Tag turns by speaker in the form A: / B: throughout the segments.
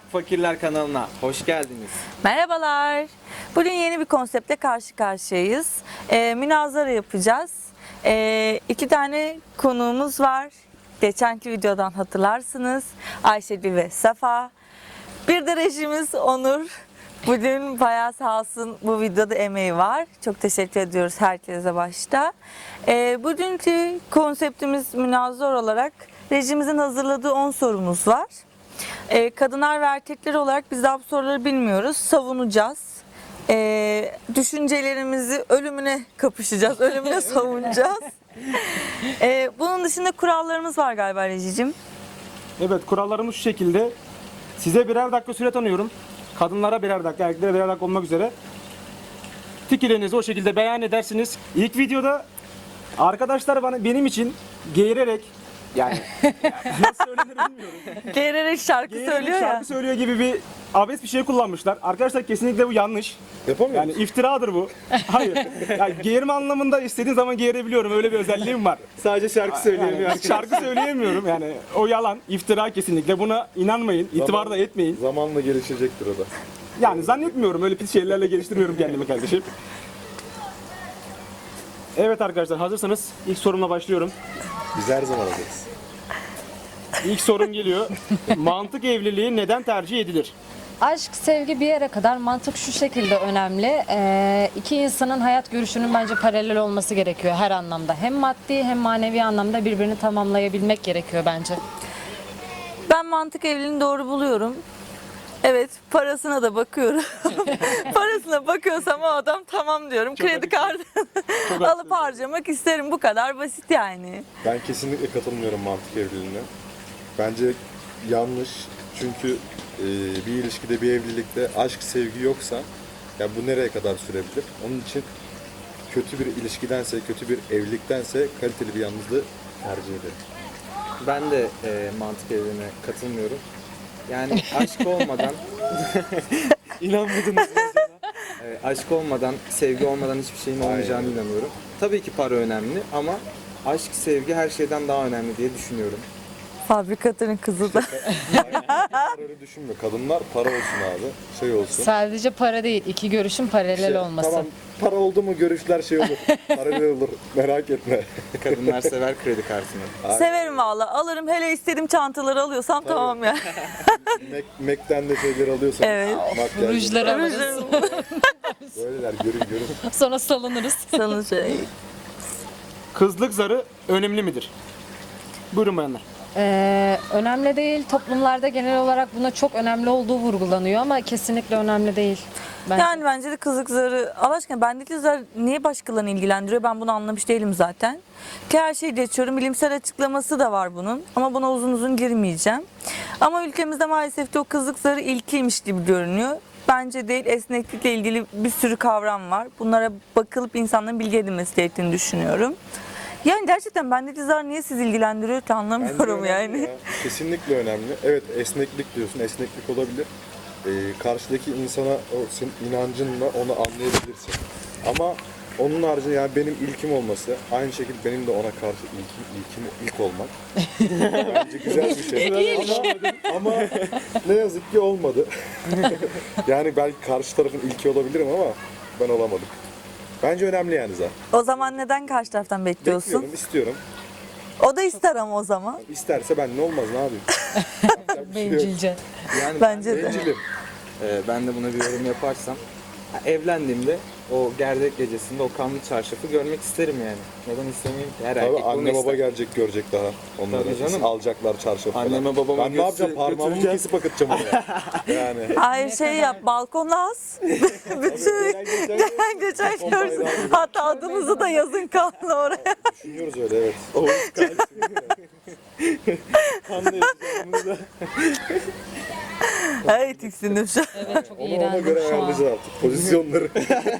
A: Fakirler kanalına hoş geldiniz.
B: Merhabalar. Bugün yeni bir konseptle karşı karşıyayız. Münazara yapacağız. 2 tane konuğumuz var. Geçenki videodan hatırlarsınız. Ayşegül ve Safa. Bir de rejimiz Onur. Bugün bayağı sağ olsun bu videoda emeği var. Çok teşekkür ediyoruz herkese başta. Bugünkü konseptimiz münazara olarak rejimizin hazırladığı 10 sorumuz var. Kadınlar ve erkekler olarak biz daha bu soruları bilmiyoruz. Savunacağız. Düşüncelerimizi ölümüne kapışacağız. Ölümüne savunacağız. Bunun dışında kurallarımız var galiba Rejicim.
C: Evet, kurallarımız şu şekilde. Size birer dakika süre tanıyorum. Kadınlara birer dakika, erkeklere birer dakika olmak üzere. Fikirlerinizi o şekilde beyan edersiniz. İlk videoda arkadaşlar benim için geğirerek, yani nasıl söylenir bilmiyorum.
B: Geğirerek şarkı
C: Geğirerek
B: söylüyor ya.
C: şarkı söylüyor gibi bir abes bir şey kullanmışlar. Arkadaşlar kesinlikle bu yanlış.
D: Yapamıyor
C: Yani iftiradır bu. Hayır. Yani geğirme anlamında istediğim zaman geğirebiliyorum. Öyle bir özelliğim var.
A: Sadece şarkı söyleyemiyor.
C: Yani şarkı söyleyemiyorum. Yani o yalan, iftira kesinlikle. Buna inanmayın, itibar da etmeyin.
D: Zamanla gelişecektir o da.
C: Yani zannetmiyorum. Öyle pis şeylerle geliştirmiyorum kendimi kardeşim. Evet arkadaşlar, hazırsanız ilk sorumla başlıyorum.
D: Biz her zaman hazırız.
C: İlk sorum geliyor. Mantık evliliği neden tercih edilir?
E: Aşk, sevgi bir yere kadar, mantık şu şekilde önemli. İki insanın hayat görüşünün bence paralel olması gerekiyor her anlamda. Hem maddi hem manevi anlamda birbirini tamamlayabilmek gerekiyor bence.
B: Ben mantık evliliğini doğru buluyorum. Evet, parasına da bakıyorum. Parasına bakıyorsam o adam tamam diyorum. Kredi kartı alıp harcamak isterim. Bu kadar basit yani.
D: Ben kesinlikle katılmıyorum mantık evliliğine. Bence yanlış. Çünkü bir ilişkide, bir evlilikte aşk, sevgi yoksa ya bu nereye kadar sürebilir? Onun için kötü bir ilişkidense, kötü bir evliliktense kaliteli bir yalnızlığı tercih ederim.
A: Ben de mantık evliliğine katılmıyorum. Yani aşk olmadan inanmadınız mesela. Aşk olmadan, sevgi olmadan hiçbir şeyin olmayacağını inanıyorum. Tabii ki para önemli ama aşk, sevgi her şeyden daha önemli diye düşünüyorum.
B: Fabrikatörün kızı da.
D: Öyle düşünme. Kadınlar para olsun abi. Şey olsun.
E: Sadece para değil, iki görüşün paralel olması.
D: Tamam, para oldu mu görüşler şey olur. Paralel olur. Merak etme.
A: Kadınlar sever kredi kartını.
B: Severim valla. Alırım, hele istediğim çantaları alıyorsam tamam ya.
D: Mac'ten de şeyler alıyorsan.
B: Evet.
D: Makyaj.
E: Rujlar alırız.
D: Böyleler görün.
E: Sonra salınırız.
B: Sana şey.
C: Kızlık zarı önemli midir? Buyurun bayanlar.
E: Önemli değil. Toplumlarda genel olarak buna çok önemli olduğu vurgulanıyor ama kesinlikle önemli değil. Bence.
B: Yani bence de kızlık zarı, Allah aşkına bendeki zar niye başkalarını ilgilendiriyor, ben bunu anlamış değilim zaten. Ki her şeyi geçiyorum, bilimsel açıklaması da var bunun ama buna uzun uzun girmeyeceğim. Ama ülkemizde maalesef de o kızlık zarı ilkiymiş gibi görünüyor. Bence değil, esneklikle ilgili bir sürü kavram var. Bunlara bakılıp insanların bilgi edinmesi gerektiğini düşünüyorum. Yani gerçekten bendeki zar niye sizi ilgilendiriyor ki anlamıyorum
D: Bence önemli
B: yani.
D: ya. Kesinlikle önemli. Evet, esneklik diyorsun. Esneklik olabilir. Karşıdaki insana o senin inancınla onu anlayabilirsin. Ama onun haricinde yani benim ilkim olması, aynı şekilde benim de ona karşı ilk olmak. Bence güzel bir şey. ama ne yazık ki olmadı. Yani belki karşı tarafın ilki olabilirim ama ben olamadım. Bence önemli yani zaten.
B: O zaman neden karşı taraftan bekliyorsun?
D: Bekliyorum, istiyorum.
B: O da ister ama o zaman.
D: İsterse ben ne olmaz, ne yapayım? Yapacak bir şey yok.
E: Bencilce.
A: Yani
B: Bence de.
D: Bencilim.
A: ben de buna bir yorum yaparsam evlendiğimde o gerdek gecesinde o kanlı çarşafı görmek isterim yani. Neden istemeyeyim ki? Her
D: Tabii
A: erkek bunu
D: anne baba
A: ister.
D: gelecek, görecek daha. Onları
A: Tabii canım.
D: alacaklar çarşafı falan.
A: Anneme babama
D: Ben ne yapacağım? Parmağımı
A: götüreceğim.
D: kesip akıtacağım oraya. Yani.
B: Hayır şey yap, balkona as. Bütün gelen geçen görsün. Hatta adınızı da yazın kanlı oraya.
D: Düşünüyoruz öyle, evet.
A: Kanlı yapacağım bunu da.
B: Ay tiksindim şu an.
E: Evet, çok
D: Onu ona
E: iğrendim
D: göre
E: şu an.
D: ayarlayacağız artık. Pozisyonları.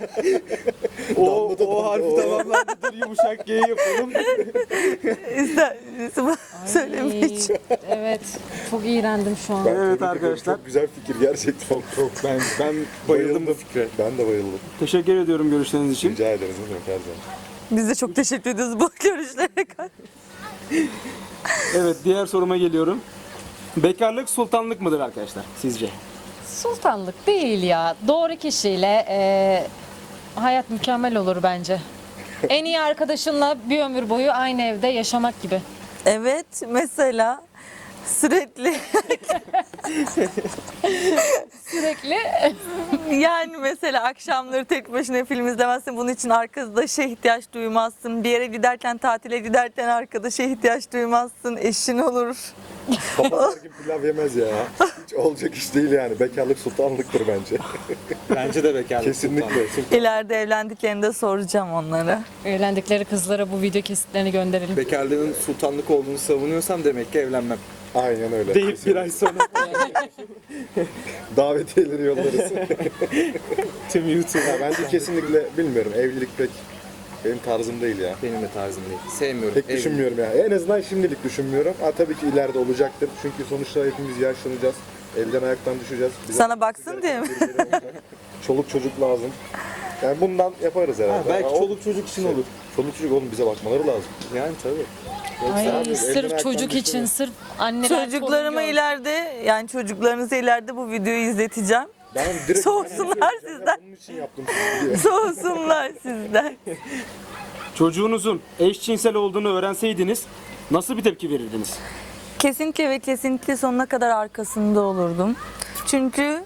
A: O harfi tamamlandı. Dur yumuşak G yapalım.
B: İster söylemek.
E: Evet, çok iğrendim şu an.
D: Ben
C: Evet
D: tebrik ediyorum.
C: arkadaşlar.
D: Çok güzel fikir gerçekten. Çok.
A: Ben bayıldım bu fikre.
D: Ben de bayıldım.
C: Teşekkür ediyorum görüşleriniz için.
D: Rica ederiz. Ne demek, her zaman.
B: Biz de çok teşekkür ediyoruz bu görüşlere karşı.
C: Evet, diğer soruma geliyorum. Bekarlık sultanlık mıdır arkadaşlar sizce?
E: Sultanlık değil ya. Doğru kişiyle hayat mükemmel olur bence. En iyi arkadaşınla bir ömür boyu aynı evde yaşamak gibi.
B: Evet, mesela sürekli
E: Sürekli
B: yani mesela akşamları tek başına film izlemezsin. Bunun için arkadaşa ihtiyaç duymazsın. Bir yere giderken, tatile giderken arkadaşa ihtiyaç duymazsın. Eşin olur.
D: Papazlar gibi pilav yemez ya. Hiç olacak iş değil yani. Bekarlık sultanlıktır bence.
A: Bence de bekarlık
D: Kesinlikle.
A: sultanlık.
B: İleride evlendiklerinde soracağım onlara.
E: evlendikleri kızlara bu video kesitlerini gönderelim.
A: Bekarlığın sultanlık olduğunu savunuyorsam demek ki evlenmem.
D: Aynen öyle.
A: Deyip bir ay sonra
D: Davetiyeleri yollarız.
A: tüm YouTube.
D: Ya bence kesinlikle bilmiyorum. Evlilik pek benim tarzım değil ya.
A: Benim de tarzım değil. Sevmiyorum.
D: Pek
A: Evlilik.
D: düşünmüyorum yani. En azından şimdilik düşünmüyorum. Ha, tabii ki ileride olacaktır. Çünkü sonuçta hepimiz yaşlanacağız. Elden ayaktan düşeceğiz. Bize
B: Sana baksın diye mi?
D: birileri olacak. Çoluk çocuk lazım. Yani bundan yaparız herhalde.
A: Ha, belki
D: Ama o-
A: çoluk çocuk için olur.
D: Çoluk çocuk oğlum bize bakmaları lazım.
A: Yani tabii.
E: Ay,
D: abi, elden
E: sırf
D: ayaktan
E: çocuk için,
D: düşüyor.
E: sırf anneler
B: Çocuklarıma
E: torun
B: ileride, yani çocuklarınıza ileride bu videoyu izleteceğim.
D: Ben direkt
B: Soğusunlar sizden.
D: bunun için yaptım sizi diye.
B: Soğusunlar sizden.
C: Çocuğunuzun eşcinsel olduğunu öğrenseydiniz nasıl bir tepki verirdiniz?
B: Kesinlikle ve kesinlikle sonuna kadar arkasında olurdum. Çünkü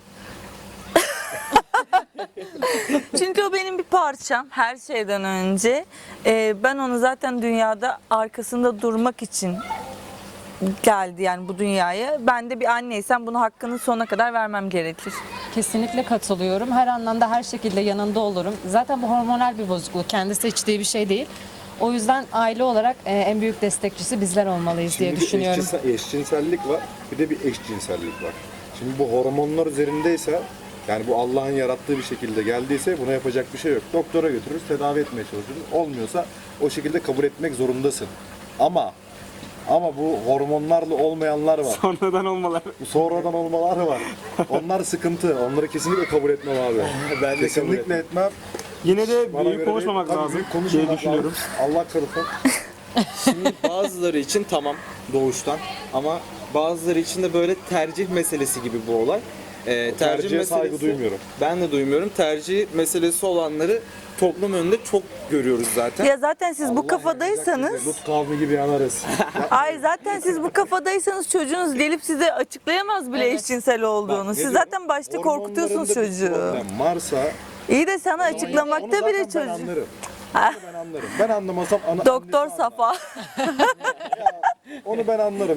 B: çünkü o benim bir parçam her şeyden önce. Ben onu zaten dünyada arkasında durmak için geldi yani bu dünyaya. Ben de bir anneysem bunu hakkını sonuna kadar vermem gerekir.
E: Kesinlikle katılıyorum. Her anlamda her şekilde yanında olurum. Zaten bu hormonal bir bozukluk. Kendi seçtiği bir şey değil. O yüzden aile olarak en büyük destekçisi bizler olmalıyız diye
D: Şimdi bir
E: düşünüyorum.
D: eşcinsellik var, bir de bir eşcinsellik var. Şimdi bu hormonlar üzerindeyse, yani bu Allah'ın yarattığı bir şekilde geldiyse buna yapacak bir şey yok. Doktora götürürüz, tedavi etmeye çalışırız. Olmuyorsa o şekilde kabul etmek zorundasın. Ama bu hormonlarla olmayanlar var.
C: Sonradan olmalar.
D: Bu sonradan olmalar var. Onlar sıkıntı. Onları kesinlikle kabul etmem abi.
A: Ben de
D: Kesinlikle etmem.
C: Yine de
D: Bana
C: büyük
D: göre
C: konuşmamak
D: değil. Tabii
C: lazım
D: büyük
C: diye
D: konuşmamak
C: düşünüyorum.
D: lazım. Allah korusun.
A: Şimdi bazıları için tamam doğuştan ama bazıları için de böyle tercih meselesi gibi bu olay.
D: tercihe saygı duymuyorum.
A: Ben de duymuyorum. Tercih meselesi olanları toplum önünde çok görüyoruz zaten.
B: Ya zaten siz bu
D: Allah
B: kafadaysanız,
D: yazacak bize, Lut kavmi gibi yanarız.
B: ay zaten siz bu kafadaysanız çocuğunuz gelip size açıklayamaz bile
E: Evet.
B: eşcinsel olduğunu.
D: Ne
B: Siz
D: diyorum?
B: zaten başta korkutuyorsunuz
D: Hormonlarında bir
B: çocuğu.
D: problem varsa
B: İyi de sana
D: onu
B: açıklamakta
D: zaten
B: bile
D: ben
B: çocuğu.
D: anlarım. Onu ben anlarım. Ben anlamasam
B: Doktor
D: annesi anlar.
B: Safa.
D: Onu ben anlarım.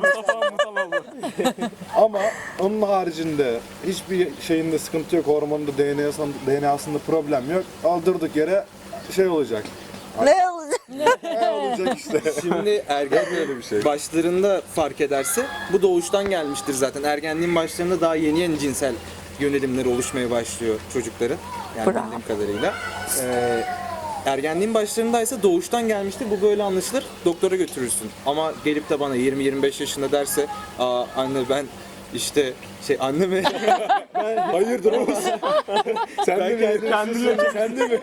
D: Ama onun haricinde hiçbir şeyinde sıkıntı yok. Hormonda DNA'sında problem yok. Aldırdık yere şey olacak.
B: Ne olacak?
D: Ne olacak işte.
A: Şimdi ergen
D: Böyle bir şey.
A: başlarında fark ederse bu doğuştan gelmiştir zaten. Ergenliğin başlarında daha yeni cinsel yönelimleri oluşmaya başlıyor çocukların. Yani
B: Bravo.
A: bildiğim kadarıyla. Ergenliğin başlarındaysa doğuştan gelmiştir. Bu böyle anlaşılır. Doktora götürürsün. Ama gelip de bana 20-25 yaşında derse, "Aa anne ben işte anne mi?"
D: Hayırdır oğlum? Sen de mi? Sen de mi?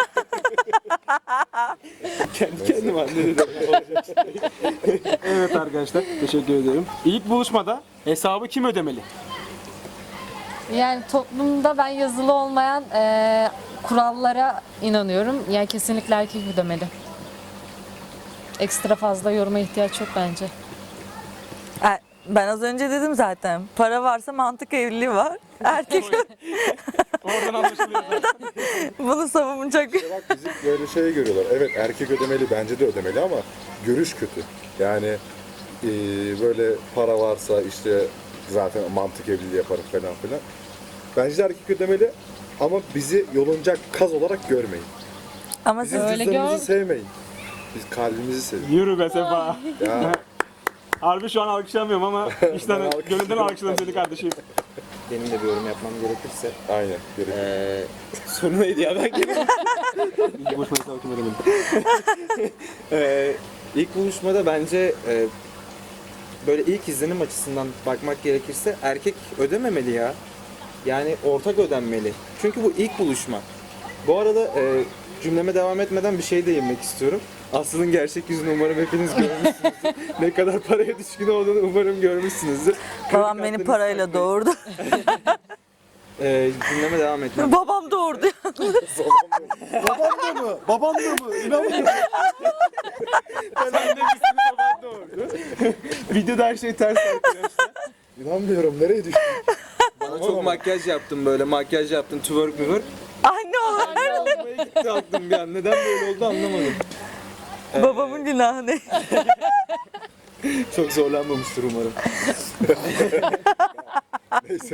A: Kendi kendime anne dedim.
C: Evet arkadaşlar, teşekkür ederim. İlk buluşmada hesabı kim ödemeli?
E: Yani toplumda ben yazılı olmayan kurallara inanıyorum. Yani kesinlikle erkek ödemeli. Ekstra fazla yoruma ihtiyaç yok bence.
B: Ben az önce dedim zaten. Para varsa mantık evliliği var. Erkek
C: Oradan anlaşılıyor zaten.
B: bunu savunacak.
D: Bak bizi böyle şey görüyorlar. Evet erkek ödemeli, bence de ödemeli ama görüş kötü. Yani böyle para varsa işte zaten mantık evliliği yaparız falan filan. Bence de erkek ödemeli ama bizi yolunacak kaz olarak görmeyin.
B: Ama
D: Bizim
B: siz
E: Öyle
D: cüzdanımızı
E: gör.
D: sevmeyin. Biz kalbimizi sevin.
C: Yürü be Sefa.
D: Ya
C: Harbi şu an alkışlamıyorum ama işten gönülden alkışladım seni kardeşim.
A: Benim de bir yorum yapmam gerekirse.
D: aynen. Gerekli.
A: Sonu neydi ya ben
C: İlk buluşmada hesabı kim ödemeli?
A: İlk buluşmada bence böyle ilk izlenim açısından bakmak gerekirse erkek ödememeli ya. Yani ortak ödenmeli. Çünkü bu ilk buluşma. Bu arada cümleme devam etmeden bir şey de yemek istiyorum. Aslı'nın gerçek yüzünü umarım hepiniz görmüşsünüzdür. Ne kadar paraya düşkün olduğunu umarım görmüşsünüzdür.
B: Babam beni parayla doğurdu.
A: Cümleme devam etmem.
B: Babam doğurdu.
D: Baban da mı? Baban da mı? İnanmıyorum.
A: Videoda her şey ters arkadaşlar.
D: İnanmıyorum. Nereye düştün?
A: Bana çok makyaj yaptım böyle. Makyaj yaptım. Twerk.
B: Anne olur.
A: Almaya gitti aklım bir an. Neden böyle oldu anlamadım.
B: Babamın günahı ne?
A: Çok zorlanmamıştır umarım.
D: Neyse.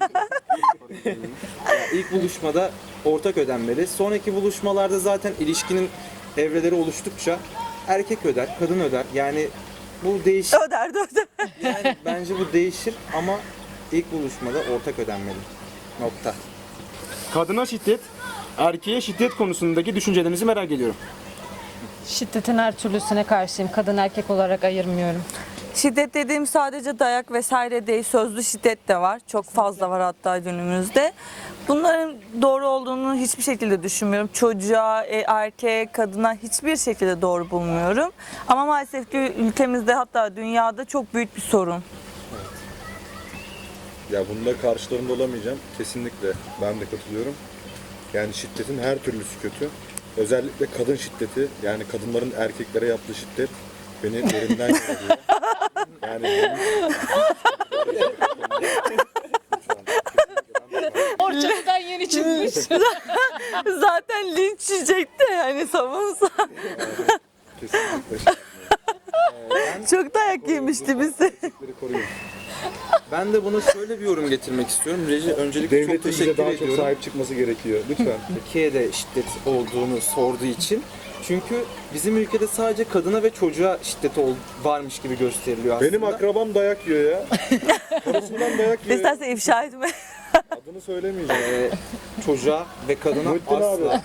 A: İlk buluşmada ortak ödenmeli. Sonraki buluşmalarda zaten ilişkinin evreleri oluştukça erkek öder, kadın öder. Yani bu değişir.
B: Öderdi.
A: Yani bence bu değişir ama ilk buluşmada ortak ödenmeli. Nokta.
C: Kadına şiddet, erkeğe şiddet konusundaki düşüncelerinizi merak ediyorum.
E: Şiddetin her türlüsüne karşıyım. Kadın erkek olarak ayırmıyorum.
B: Şiddet dediğim sadece dayak vesaire değil, sözlü şiddet de var. Çok fazla var hatta günümüzde. Bunların doğru olduğunu hiçbir şekilde düşünmüyorum. Çocuğa, erkeğe, kadına hiçbir şekilde doğru bulmuyorum. Ama maalesef ki ülkemizde hatta dünyada çok büyük bir sorun.
D: Ya bunda karşılarında olamayacağım. Kesinlikle ben de katılıyorum. Yani şiddetin her türlüsü kötü. Özellikle kadın şiddeti, yani kadınların erkeklere yaptığı şiddet beni derinden yaralıyor. Yani
E: Orçalı'dan yeni çıkmış.
B: Zaten linç yiyecekti yani savunsa.
D: kesinlikle
B: Çok dayak yemişti bizi.
D: şiddetleri koruyun.
A: Ben de buna şöyle bir yorum getirmek istiyorum. Reji öncelikle çok
D: Devletin bize
A: teşekkür
D: daha çok
A: ediyorum.
D: sahip çıkması gerekiyor. Lütfen.
A: Türkiye'de şiddet olduğunu sorduğu için. Çünkü bizim ülkede sadece kadına ve çocuğa şiddet varmış gibi gösteriliyor aslında.
D: Benim akrabam dayak yiyor ya. Karısından dayak yiyor. ya.
B: İstersen ifşa etme.
D: Adını söylemeyeceğim.
A: Çocuğa ve kadına
D: Muhittin abi.
A: asla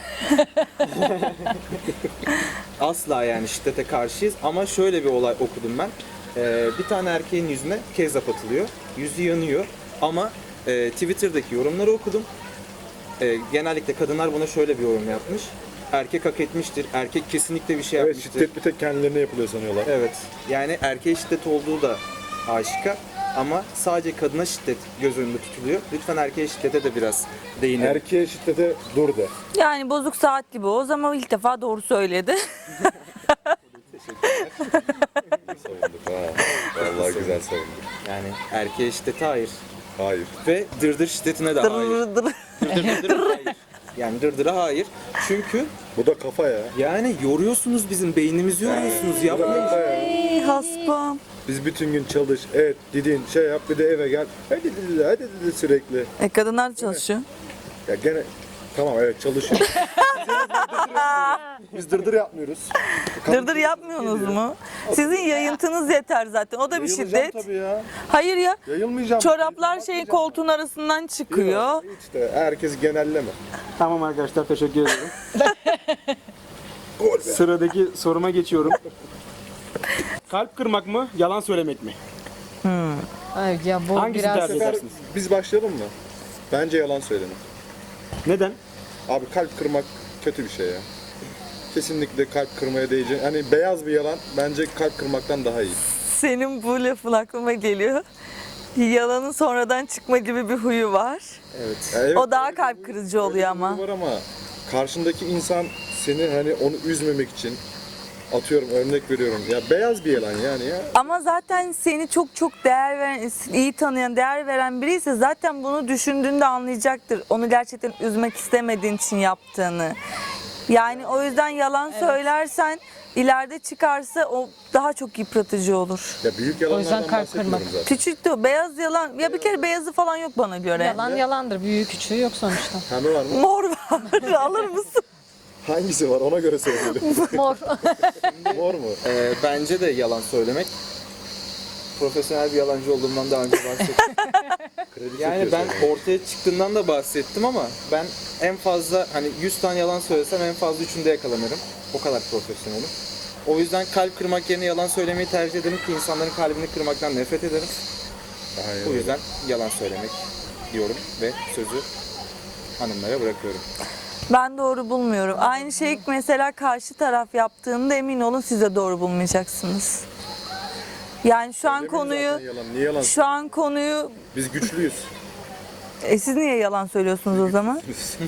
A: asla yani şiddete karşıyız ama şöyle bir olay okudum ben. Bir tane erkeğin yüzüne kezzap atılıyor. Yüzü yanıyor ama Twitter'daki yorumları okudum. Genellikle kadınlar buna şöyle bir yorum yapmış. Erkek hak etmiştir. Erkek kesinlikle bir şey
D: Evet,
A: yapmıştır.
D: şiddet bir tek kendilerine yapılıyor sanıyorlar.
A: Evet. Yani erkeğe şiddet olduğu da aşikar ama sadece kadına şiddet göz önünde tutuluyor. Lütfen erkeğe şiddete de biraz değinelim.
D: Erkeğe şiddete dur de.
B: Yani bozuk saat gibi o zaman ilk defa doğru söyledi.
D: Savunduk ha. Vallahi güzel savunduk.
A: Yani erkeğe şiddete hayır.
D: Hayır.
A: Ve dırdır şiddetine de hayır.
B: Dırır dırır.
A: Dırdır hayır. Yani dırdıra hayır. Çünkü
D: Bu da kafa ya.
A: yani yoruyorsunuz bizim beynimizi yoruyorsunuz.
D: Bu da
A: Yapmayın.
D: kafa ya.
B: Ey haspam.
D: Biz bütün gün çalış, et, didin, şey yap, bir de eve gel. Hadi sürekli.
B: Kadınlar da çalışıyor.
D: Ya gene tamam evet çalışıyor. Biz dırdır yapmıyoruz.
B: Dırdır yapmıyorsunuz mu? Sizin yayıntınız yeter zaten. O da bir
D: Yayılacağım
B: şiddet.
D: tabii ya.
B: Hayır ya.
D: Yayılmayacağım.
B: Çoraplar şeyin koltuğun arasından çıkıyor.
D: İşte herkes genelleme.
C: Tamam arkadaşlar, teşekkür ederim.
D: Gol be.
C: Sıradaki soruma geçiyorum. Kalp kırmak mı, yalan söylemek mi?
E: Ay ya bu
C: Hangisini
E: biraz
C: tercih edersiniz?
D: Biz başlayalım mı? Bence yalan söylemek.
C: Neden?
D: Abi kalp kırmak kötü bir şey ya. Kesinlikle kalp kırmaya değecek. Hani beyaz bir yalan bence kalp kırmaktan daha iyi.
B: Senin bu lafın aklıma geliyor. Yalanın sonradan çıkma gibi bir huyu var.
A: Evet.
D: Ya evet,
B: O daha
D: öyle
B: kalp
D: bir-
B: kırıcı
D: öyle
B: oluyor
D: bir
B: ama.
D: huyu var ama karşındaki insan seni hani onu üzmemek için atıyorum örnek veriyorum. Ya beyaz bir yalan yani ya.
B: Ama zaten seni çok değer veren, iyi tanıyan, değer veren biri ise zaten bunu düşündüğünde anlayacaktır. Onu gerçekten üzmek istemediğin için yaptığını. Yani o yüzden yalan söylersen ileride çıkarsa o daha çok yıpratıcı olur.
D: Ya büyük
E: O yüzden
D: yalanlardan
E: kalp
D: bahsetmiyorum
E: kırmak.
D: zaten.
B: Küçük de o beyaz yalan. Ya bir kere beyazı falan yok bana göre.
E: yalan yalandır. Büyüğü küçüğü yok sonuçta.
D: Pembe var mı?
B: Mor var. Alır mısın?
D: Hangisi var ona göre söyleyelim.
E: Mor.
D: Mor mu?
A: Bence de yalan söylemek. Profesyonel bir yalancı olduğumdan daha önce bahsettim.
D: Kredi
A: Yani
D: çekiyorsun.
A: ben ortaya çıktığından da bahsettim ama ben en fazla hani 100 tane yalan söylesem en fazla 3'ünde yakalanırım. O kadar profesyonelim. O yüzden kalp kırmak yerine yalan söylemeyi tercih ederim ki insanların kalbini kırmaktan nefret ederim.
D: Aynen
A: O
D: öyle.
A: yüzden yalan söylemek diyorum ve sözü hanımlara bırakıyorum.
B: Ben doğru bulmuyorum. Aynı şeyi mesela karşı taraf yaptığında emin olun siz de doğru bulmayacaksınız. Yani şu an
D: Söylemeyin
B: konuyu
D: zaten yalan. Niye yalan?
B: şu an konuyu
D: Biz güçlüyüz.
B: siz niye yalan söylüyorsunuz o zaman?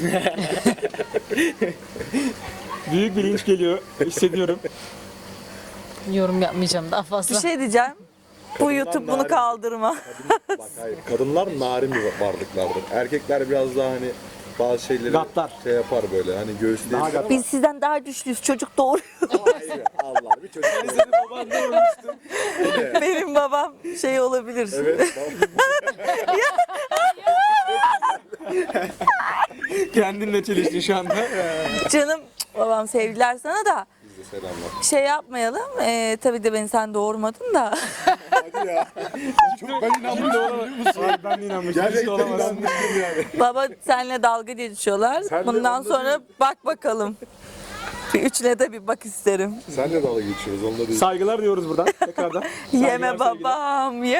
C: Büyük bir linç geliyor. Hissediyorum.
E: Yorum yapmayacağım daha fazla.
B: Bir şey diyeceğim. Bu YouTube bunu
D: narin.
B: kaldırma.
D: Bak hayır. Kadınlar narin bir varlıklardır. Erkekler biraz daha hani bazı şeyleri
C: Gaddar.
D: şey yapar böyle hani göğüsleyebilir
C: Daha
D: ama
C: gaddar.
B: Biz sizden daha güçlüyüz. Çocuk doğuruyor.
D: hayır. Allah bir çocuk.
B: Benim babam şey olabilir.
D: Evet.
C: Kendinle çeliştin şu anda.
B: Canım babam sevgiler sana da
D: Biz de selamlar.
B: şey yapmayalım. Tabii de beni sen doğurmadın da.
D: Hadi ya. Çok ben inanmıyorum.
C: Hayır, ben de inanmıştım. Hiç de
D: Gerçekten
C: olamaz.
D: inanmıştım yani.
B: Baba seninle dalga geçiyorlar.
D: Sen de
B: Bundan
D: onda
B: sonra bak bakalım. Bir üçüne de bir bak isterim.
D: Sen de dalga geçiyoruz onda değil.
C: Saygılar diyoruz buradan tekrardan.
B: Yeme
C: Saygılar,
B: babam yeme.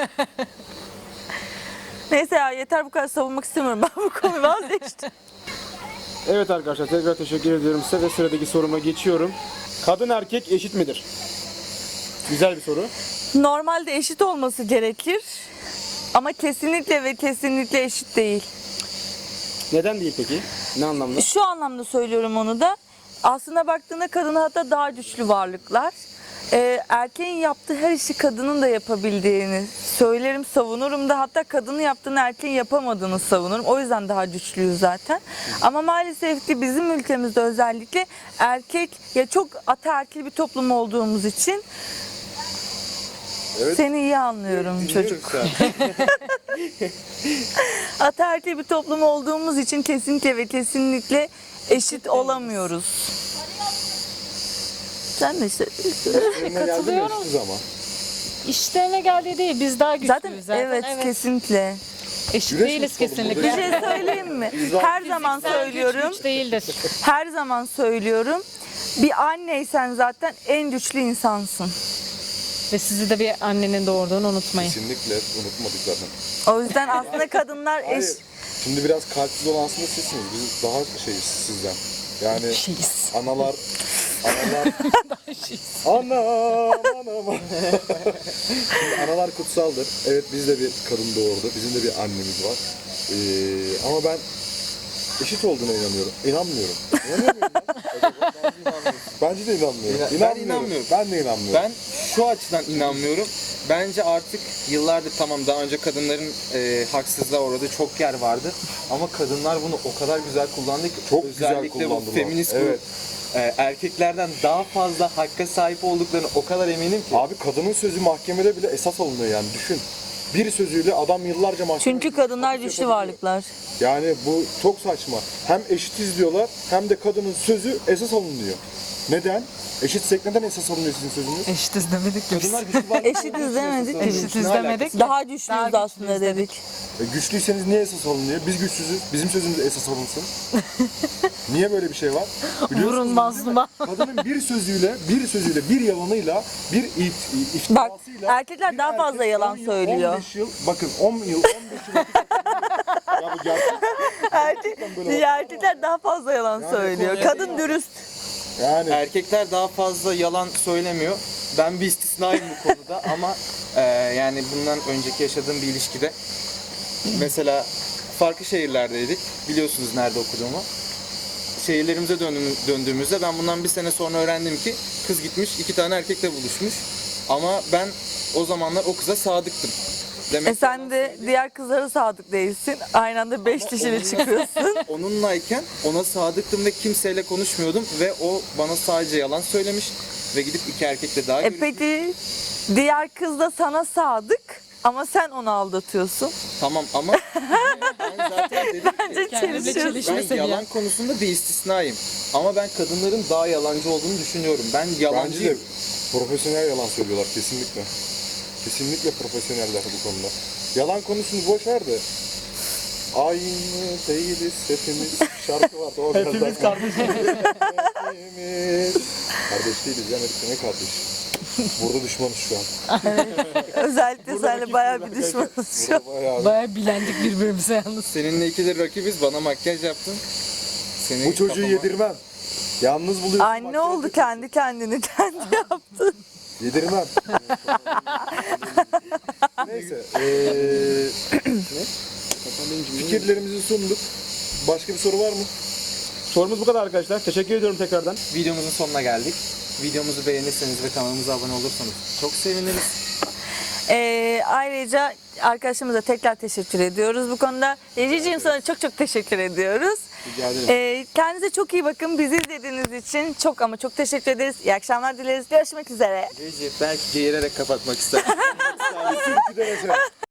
B: Neyse ya yeter bu kadar savunmak istemiyorum. Ben bu konuyu vazgeçtim.
C: Evet arkadaşlar tekrar teşekkür ediyorum size ve sıradaki soruma geçiyorum. Kadın erkek eşit midir? Güzel bir soru.
B: Normalde eşit olması gerekir. Ama kesinlikle ve kesinlikle eşit değil.
C: Neden değil peki? Ne anlamda?
B: Şu anlamda söylüyorum onu da. Aslında baktığında kadın hatta daha güçlü varlıklar. Erkeğin yaptığı her işi kadının da yapabildiğini söylerim, savunurum da, hatta kadının yaptığını erkeğin yapamadığını savunurum. O yüzden daha güçlüyüz zaten. Ama maalesef ki bizim ülkemizde özellikle erkek, ya çok ataerkil bir toplum olduğumuz için
D: Evet.
B: seni iyi anlıyorum çocuk. Ataerkil bir toplum olduğumuz için kesinlikle ve kesinlikle eşit olamıyoruz. Sen de işte
E: Katılıyorum.
D: Eşitiz ama.
E: İşlerine geldiği değil, biz daha güçlüyüz
B: zaten, evet, kesinlikle.
E: Eşit
D: Güreş
E: değiliz
D: yapalım
E: kesinlikle.
B: Bir şey söyleyeyim mi? Her zaman söylüyorum.
E: Güç değildir.
B: Her zaman söylüyorum. Bir anneysen zaten en güçlü insansın.
E: Ve sizi de bir annenin doğurduğunu unutmayın.
D: Kesinlikle unutmadık zaten.
B: O yüzden aslında kadınlar eş...
D: Hayır. Şimdi biraz kalpsiz olan aslında sizsiniz. Biz daha şeyiz sizden. Yani
E: Şeyiz.
D: analar anam. Şimdi analar kutsaldır. Evet biz de bir kadın doğurdu. Bizim de bir annemiz var. Ama ben eşit olduğuna inanıyorum. İnanmıyorum. İnanıyor muyum ben? Bence de inanmıyorum.
A: Ben inanmıyorum.
D: Ben de inanmıyorum.
A: Ben şu açıdan inanmıyorum. Bence artık yıllardır, tamam, daha önce kadınların haksızlığa uğradığı çok yer vardı. Ama kadınlar bunu o kadar güzel kullandı ki,
D: Çok güzel
A: özellikle bu
D: kullandılar.
A: feminist
D: Evet.
A: grup, erkeklerden daha fazla hakka sahip olduklarını o kadar eminim ki.
D: Abi kadının sözü mahkemede bile esas alınıyor yani düşün. Bir sözüyle adam yıllarca mahkemede...
B: Çünkü kadınlar güçlü varlıklar.
D: Yani bu çok saçma. Hem eşitiz diyorlar hem de kadının sözü esas alınıyor. Neden? Eşitsek neden esas alınıyor sizin sözünüz?
E: Eşitiz demedik ki biz.
A: Kadınlar güçlü varlıklar.
B: Eşitiz demedik ki.
E: Eşitiz
A: Ne alakası?
E: demedik.
B: Daha güçlüyüz aslında dedik.
D: Güçlüyseniz niye esas alınıyor? Biz güçsüzüz. Bizim sözümüz esas alınsın. Niye böyle bir şey var? Biliyorsunuz
E: Vurun
D: değil mi?
E: mazluma.
D: Kadının bir sözüyle, bir yalanıyla, bir
B: Bak
D: iftirasıyla...
B: erkekler
D: bir
B: daha fazla
D: erkek
B: yalan
D: 10 yıl,
B: söylüyor.
D: 15 yıl, bakın 10 yıl, 15 yıl... Ya bu gerçek.
B: Erkekler daha fazla yalan söylüyor. Kadın dürüst.
D: Yani
A: Erkekler daha fazla yalan söylemiyor. Ben bir istisnayım bu konuda ama yani bundan önceki yaşadığım bir ilişkide mesela farklı şehirlerdeydik. Biliyorsunuz nerede okuduğumu. Şehirlerimize döndüğümüzde ben bundan bir sene sonra öğrendim ki kız gitmiş 2 tane erkekle buluşmuş. Ama ben o zamanlar o kıza sadıktım. Demek ki
B: Sen de diğer kızlara sadık değilsin. Aynı anda 5 kişiyle çıkıyorsun.
A: onunlayken ona sadıktım ve kimseyle konuşmuyordum ve o bana sadece yalan söylemiş ve gidip 2 erkekle daha görüşmüş.
B: Peki diğer kız da sana sadık ama sen onu aldatıyorsun.
A: Tamam ama ben zaten dedim ki
B: Bence
E: Kendimle
B: çelişiyorsun.
A: ben
E: çelişmesin ya.
A: yalan konusunda bir istisnayım. Ama ben kadınların daha yalancı olduğunu düşünüyorum. Ben
D: bence de
A: yalancıyım.
D: profesyonel yalan söylüyorlar kesinlikle. Kesinlikle profesyoneller bu konuda. Yalan konusunu boş ver de. Aynı değiliz hepimiz. Şarkı var. O
C: Hepimiz kardeşiz.
D: Hepimiz. Kardeş değiliz ya, ne kardeş? Burada düşmanız şu an.
B: Özellikle seninle bayağı bir düşmanız şu an.
D: Burada bayağı
E: Baya bilendik birbirimize yalnız.
A: Seninle ikidir rakibiz. Bana makyaj yaptın. Seni
D: Bu çocuğu
A: kafama-
D: yedirmem. Yalnız buluyorsun.
B: Anne
D: bak,
B: oldu, kendi kendini kendi yaptı.
D: Yedirmem. Neyse. Fikirlerimizi sunduk. Başka bir soru var mı?
C: Sorumuz bu kadar arkadaşlar. Teşekkür ediyorum tekrardan.
A: Videomuzun sonuna geldik. Videomuzu beğenirseniz ve kanalımıza abone olursanız çok seviniriz.
B: Ayrıca arkadaşımıza tekrar teşekkür ediyoruz bu konuda. Ececiğim, sana çok çok teşekkür ediyoruz.
A: Rica ederim.
B: Kendinize çok iyi bakın. Bizi izlediğiniz için çok ama çok teşekkür ederiz. İyi akşamlar dileriz. Görüşmek üzere.
A: Recep belki geğirerek kapatmak ister.
D: Türkü de mesela.